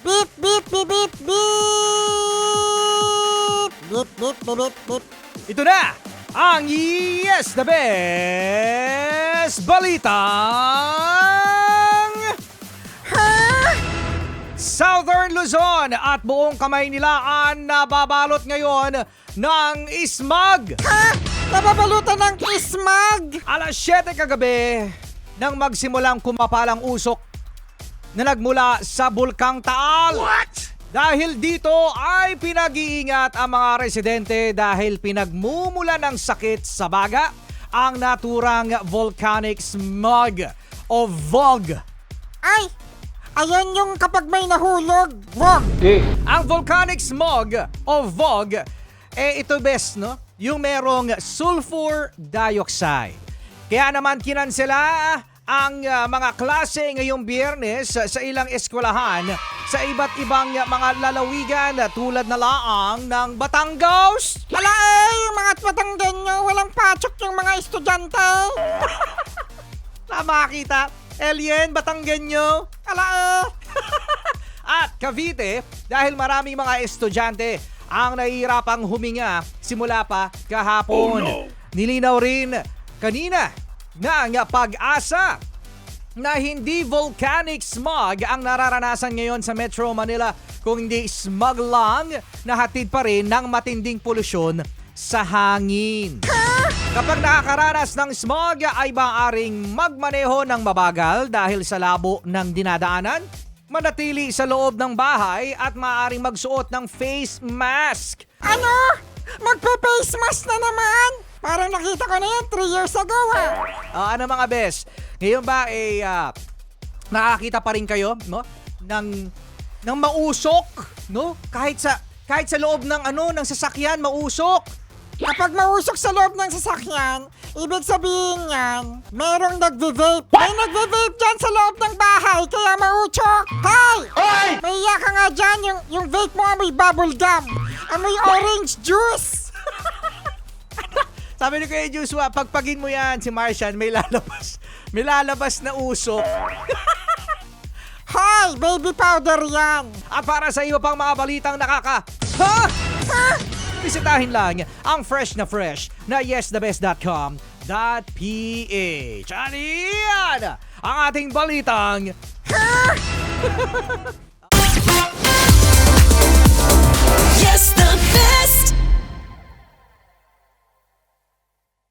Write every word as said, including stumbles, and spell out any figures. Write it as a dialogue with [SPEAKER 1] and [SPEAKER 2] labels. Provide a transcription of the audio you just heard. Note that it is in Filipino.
[SPEAKER 1] Beep, beep, beep, beep, beep. Beep, beep, beep, beep, beep.
[SPEAKER 2] Ito na ang Yes the Best Balitang
[SPEAKER 1] Ha?
[SPEAKER 2] Southern Luzon at buong kamay nilaan na babalot ngayon ng ismag.
[SPEAKER 1] Ha? Nababalutan ng ismag.
[SPEAKER 2] Alas siyete kagabi nang magsimulang kumapalang usok na nagmula sa Bulkang Taal.
[SPEAKER 1] What?
[SPEAKER 2] Dahil dito ay pinag-iingat ang mga residente dahil pinagmumula ng sakit sa baga ang naturang volcanic smog o V O G.
[SPEAKER 1] Ay, ayan yung kapag may nahulog. Wag.
[SPEAKER 2] Ang volcanic smog o V O G, eh ito best, no? Yung merong sulfur dioxide. Kaya naman kinansela ang uh, mga klase ngayong Biyernes uh, sa ilang eskwelahan sa iba't ibang uh, mga lalawigan uh, tulad na laang ng Batangas.
[SPEAKER 1] Ala eh, yung mga Batanggenyo, walang patsok yung mga estudyante.
[SPEAKER 2] Tama kita, Alien, Batanggenyo.
[SPEAKER 1] Ala eh.
[SPEAKER 2] At Cavite dahil maraming mga estudyante ang nahihirapang huminga simula pa kahapon.
[SPEAKER 3] Oh, no.
[SPEAKER 2] Nilinaw rin kanina na ang pag-asa na hindi volcanic smog ang nararanasan ngayon sa Metro Manila kung hindi smog lang na hatid pa rin ng matinding polusyon sa hangin. Kapag nakakaranas ng smog ay maaaring magmaneho ng mabagal dahil sa labo ng dinadaanan, manatili sa loob ng bahay at maaaring magsuot ng face mask.
[SPEAKER 1] Ano? Magpe-face mask na naman? Parang nakita ko na yan three years ago ah.
[SPEAKER 2] Ah, ano mga bes? Ngayon ba eh ah, nakakita pa rin kayo, no? ng ng mausok, no? Kahit sa kahit sa loob ng ano ng sasakyan mausok.
[SPEAKER 1] Kapag mausok sa loob ng sasakyan, ibig sabihin yan, merong nagve-vape. May nagve-vape dyan sa loob ng bahay, kaya mautsok. Hay!
[SPEAKER 3] Hoy!
[SPEAKER 1] May iya ka nga dyan, yung, yung vape mo amoy bubble gum. Amoy orange juice.
[SPEAKER 2] Sabi ni Kuya Joshua, pagpagin mo yan si Martian, may lalabas. May lalabas na usok.
[SPEAKER 1] Hay! Baby powder yan.
[SPEAKER 2] At para sa iyo pang mga balitang nakaka... Ha?
[SPEAKER 1] Ha?
[SPEAKER 2] Bisitahin lang ang fresh na fresh na yes the best dot com dot p h. At yan ang ating balitang...
[SPEAKER 1] Ha?
[SPEAKER 4] Yes, the best.